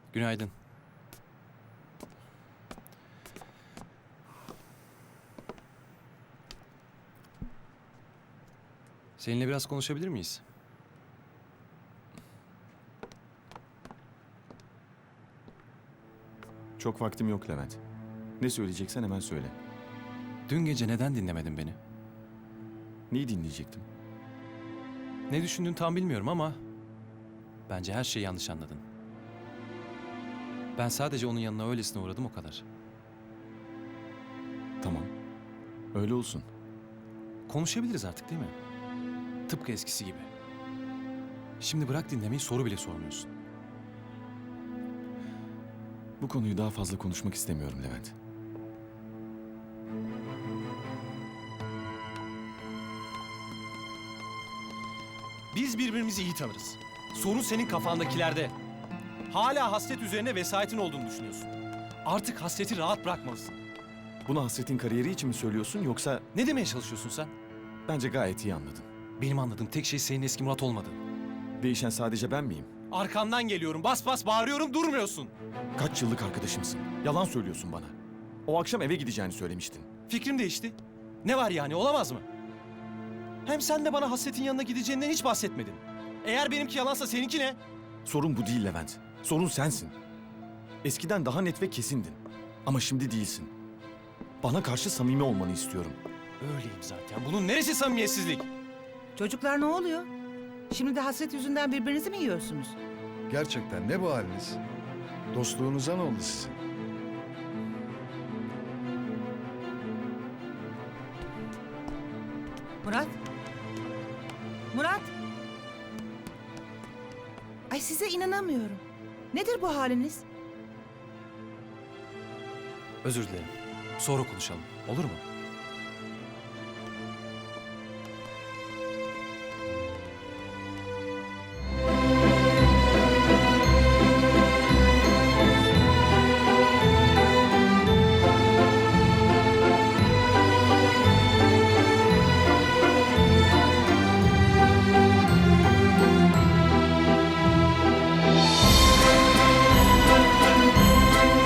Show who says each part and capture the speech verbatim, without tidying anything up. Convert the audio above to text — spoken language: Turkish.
Speaker 1: Günaydın. Seninle biraz konuşabilir miyiz?
Speaker 2: Çok vaktim yok Levent. Ne söyleyeceksen hemen söyle.
Speaker 1: Dün gece neden dinlemedin beni?
Speaker 2: Neyi dinleyecektim?
Speaker 1: Ne düşündüğünü tam bilmiyorum ama... bence her şeyi yanlış anladın. Ben sadece onun yanına öylesine uğradım, o kadar.
Speaker 2: Tamam. Öyle olsun.
Speaker 1: Konuşabiliriz artık, değil mi? Tıpkı eskisi gibi. Şimdi bırak dinlemeyi, soru bile sormuyorsun.
Speaker 2: Bu konuyu daha fazla konuşmak istemiyorum Levent.
Speaker 1: Biz birbirimizi iyi tanırız. Sorun senin kafandakilerde. Hala hasret üzerine vesayetin olduğunu düşünüyorsun. Artık hasreti rahat bırakmalısın.
Speaker 2: Bunu Hasret'in kariyeri için mi söylüyorsun yoksa...
Speaker 1: Ne demeye çalışıyorsun sen?
Speaker 2: Bence gayet iyi anladın.
Speaker 1: Benim anladığım tek şey senin eski Murat olmadığın.
Speaker 2: Değişen sadece ben miyim?
Speaker 1: Arkandan geliyorum, bas bas bağırıyorum, durmuyorsun.
Speaker 2: Kaç yıllık arkadaşımsın? Yalan söylüyorsun bana. O akşam eve gideceğini söylemiştin.
Speaker 1: Fikrim değişti. Ne var yani, olamaz mı? Hem sen de bana hasretin yanına gideceğinden hiç bahsetmedin. Eğer benimki yalansa seninki ne?
Speaker 2: Sorun bu değil Levent. Sorun sensin. Eskiden daha net ve kesindin. Ama şimdi değilsin. Bana karşı samimi olmanı istiyorum.
Speaker 1: Öyleyim zaten. Bunun neresi samimiyetsizlik?
Speaker 3: Çocuklar ne oluyor? Şimdi de hasret yüzünden birbirinizi mi yiyorsunuz?
Speaker 4: Gerçekten ne bu haliniz? Dostluğunuza ne oldu sizin?
Speaker 3: Murat? Murat? Ay size inanamıyorum. Nedir bu haliniz?
Speaker 1: Özür dilerim. Sonra konuşalım. Olur mu?